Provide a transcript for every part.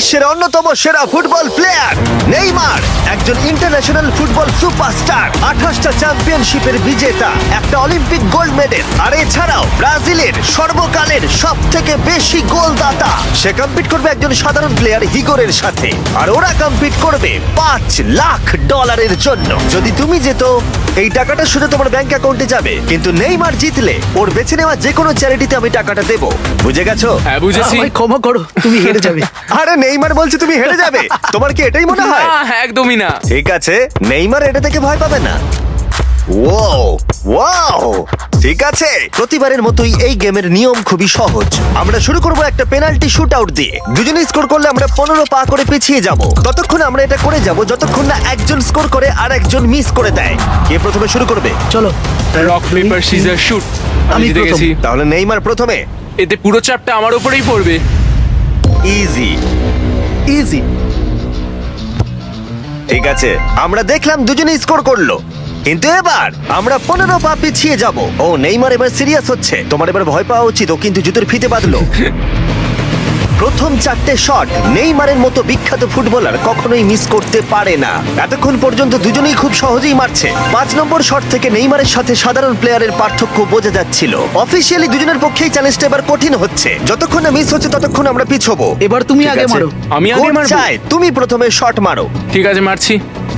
বিশ্বের অন্যতম সেরা ফুটবল প্লেয়ার নেইমার একজন ইন্টারন্যাশনাল ফুটবল সুপারস্টার, 28টা চ্যাম্পিয়নশিপের বিজেতা, একটা অলিম্পিক গোল্ড মেডেল, আর এছাড়াও ব্রাজিলের সর্বকালের সব থেকে বেশি গোলদাতা। সে কম্পিট করবে একজন সাধারণ প্লেয়ার হিগোরের সাথে, আর ওরা কম্পিট করবে $5 লাখ জন্য। যদি তুমি যেত, এই টাকাটা শুধু তোমার ব্যাংক অ্যাকাউন্টে যাবে, কিন্তু নেইমার জিতলে ওর বেছে নেওয়া যে কোনো চ্যারিটিতে আমি টাকাটা দেবো। বুঝে গেছো? হ্যাঁ বুঝেছি। আমায় ক্ষমা করো, তুমি হেরে যাবে। আরে নেইমার বলছে তুমি হেরে যাবে, তোমার কি এটাই মনে হয়? না, একদমই না। ঠিক আছে, নেইমার এটা থেকে ভয় পাবে না। ওয়াও, ঠিক আছে। প্রতিবারের মতোই এই গেমের নিয়ম খুবই সহজ। আমরা শুরু করব একটা পেনাল্টি শুট আউট দিয়ে। দুজনে স্কোর করলে আমরা 15 পা করে পিছিয়ে যাব। ততক্ষণ আমরা এটা করে যাব যতক্ষণ না একজন স্কোর করে আর একজন মিস করে দেয়। কে প্রথমে শুরু করবে? চলো। Rock paper scissor shoot. আমি আমি জিতে প্রথম। গেছি। তাহলে নেইমার প্রথমে। এতে পুরো চাপটা আমার উপরেই পড়বে। ইজি। ইজি। ঠিক আছে, আমরা দেখলাম দুজনে স্কোর করলো, কিন্তু এবার আমরা 15 পা পিছিয়ে যাব। ও নেইমার এবার সিরিয়াস হচ্ছে। তোমার এবার ভয় পাওয়া উচিত, ও কিন্তু জুতোর ফিতে বাঁধলো। প্রথম 4টে শট নেইমারের মতো বিখ্যাত ফুটবলার কখনোই মিস করতে পারে না। এতক্ষণ পর্যন্ত দুজনেই খুব সহজেই মারছে। 5 নম্বর শট থেকে নেইমারের সাথে সাধারণ প্লেয়ারের পার্থক্য বোঝা যাচ্ছিল। অফিসিয়ালি দুজনের পক্ষেই চ্যালেঞ্জটা এবার কঠিন হচ্ছে। যতক্ষণ না মিস হচ্ছে ততক্ষণ আমরা পিছবো। এবার তুমি ঠিক আগে আছে? মারো। আমি আগে কোচ মারবো? চায় তুমি প্রথমে শট মারো। ঠিক আছে, মারছি।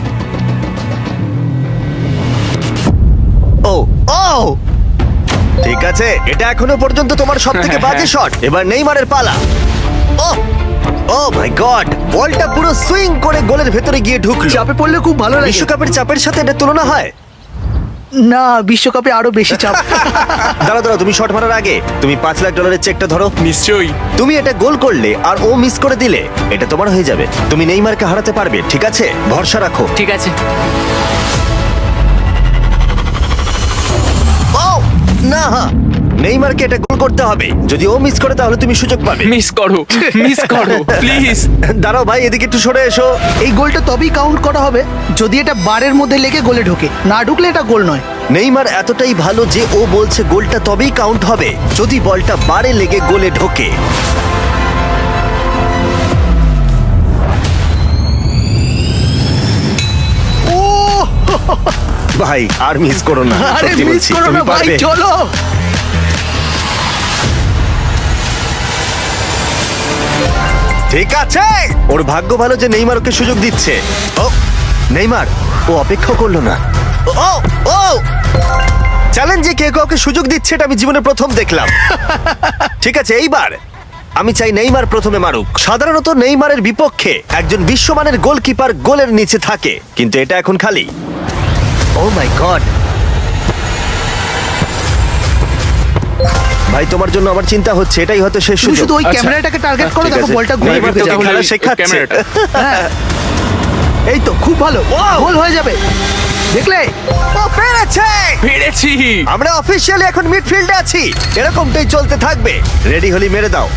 ও ও ঠিক আছে, এটা এখনো পর্যন্ত তোমার সবথেকে বাজে শট। এবার নেইমারের পালা। ও ও মাই গড, বলটা পুরো সুইং করে গোলের ভেতরে গিয়ে ঢুকলো। চাপে পড়লে খুব ভালো লাগে। বিশ্বকাপের চাপের সাথে এটা তুলনা হয়? না, বিশ্বকাপে আরো বেশি চাপ। দাঁড়াও দাঁড়াও, তুমি শট মারার আগে তুমি $5 লাখ চেকটা ধরো। নিশ্চয়ই। তুমি এটা গোল করলে আর ও মিস করে দিলে এটা তোমার হয়ে যাবে। তুমি নেইমারকে হারাতে পারবে, ঠিক আছে? ভরসা রাখো। ঠিক আছে। ও না, নেইমারকে এটা গোল করতে হবে। যদি ও মিস করে তাহলে তুমি সুযোগ পাবে। মিস করো, মিস করো প্লিজ। দাঁড়াও ভাই, এদিকে একটু সরে এসো। এই গোলটা তবেই কাউন্ট করা হবে যদি এটা বারের মধ্যে লেগে গোলে ঢোকে। না ঢুকলে এটা গোল নয়। নেইমার এতটাই ভালো যে ও বলছে গোলটা তবেই কাউন্ট হবে যদি বলটা বারে লেগে গোলে ঢোকে। ও ভাই আর মিস করো না, আরে সত্যি মিস বলছি, করো তুমি না ভাই, পারবে। চলো। ঠিক আছে, ওর ভাগ্য ভালো যে নেইমার ওকে সুযোগ দিচ্ছে। ও নেইমার, ও অপেক্ষা করলো না। ও ও চ্যালেঞ্জে কে কাউকে সুযোগ দিচ্ছে এটা আমি জীবনে প্রথম দেখলাম। ঠিক আছে, এইবার আমি চাই নেইমার প্রথমে মারুক। সাধারণত নেইমারের বিপক্ষে একজন বিশ্বমানের গোলকিপার গোলের নিচে থাকে, কিন্তু এটা এখন খালি। ও মাই গড, ভাই তোমার জন্য আমার চিন্তা হচ্ছে। এটাই হয়তো শেষ তুমি সুযোগ। শুধু ওই আচ্ছা, ক্যামেরাটাকে টার্গেট করো, ঠিক দেখো আছে। বলটা গোলে নেইমার ঢুকে তোকে যাবে। খেলা শেখাচ্ছে। ক্যামেরাটা। হ্যাঁ। এই তো খুব ভালো, গোল হয়ে যাবে। দেখলে? ও পেরেছে! পেরেছি। আমরা অফিসিয়ালি এখন মিডফিল্ডে আছি। এরকমটাই চলতে থাকবে। রেডি হলি মেরে দাও।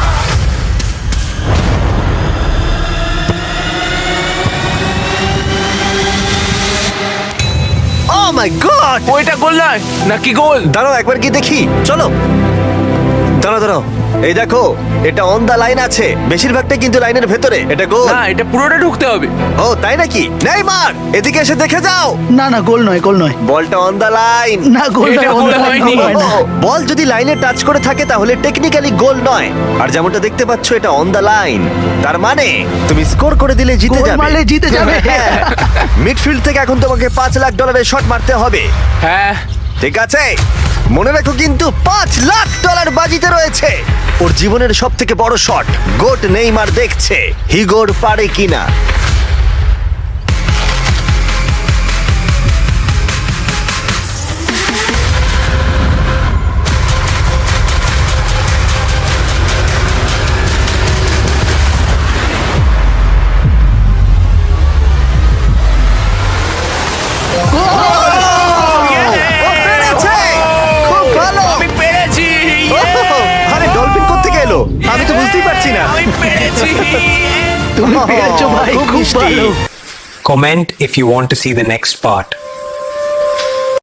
Oh my god! ওইটা গোল নয় নাকি গোল? দাঁড়াও একবার কি দেখি, চলো। দাঁড়াও দাঁড়াও, এই দেখো, এটা অন দা লাইন আছে। বেশিরভাগটা কিন্তু লাইনের ভেতরে। এটা গোল। না, এটা পুরোটা ঢুকতে হবে। ও তাই নাকি? নেইমার এদিকে এসে দেখে যাও। না না, গোল নয়, গোল নয়। বলটা অন দা লাইন। না, গোল এটা নয়, গোল গোল হয়নি। হয় না। বল যদি লাইনে টাচ করে থাকে তাহলে টেকনিক্যালি গোল নয়। আর যেমনটা দেখতে পাচ্ছ এটা অন দা লাইন, তার মানে তুমি স্কোর করে দিলে জিতে গোল যাবে। মারলে জিতে যাবে। মিডফিল্ড থেকে এখন তোমাকে $5 লাখ শট মারতে হবে। হ্যাঁ। ঠিক আছে, মনে রাখো কিন্তু $5 লাখ বাজিতে রয়েছে। ওর জীবনের সব থেকে বড় শট। গোট নেইমার দেখছে হিগোর পারে কিনা। ও পেরেছে! খুব ভালো! আমি পেরেছি। আরে ডলফিন কোত্থেকে এলো? আমি তো বুঝতেই পারছি না। আমি পেরেছি। তুমি পেরেছো ভাই, খুব খুব মিষ্টি। ভালো। Comment if you want to see the next part.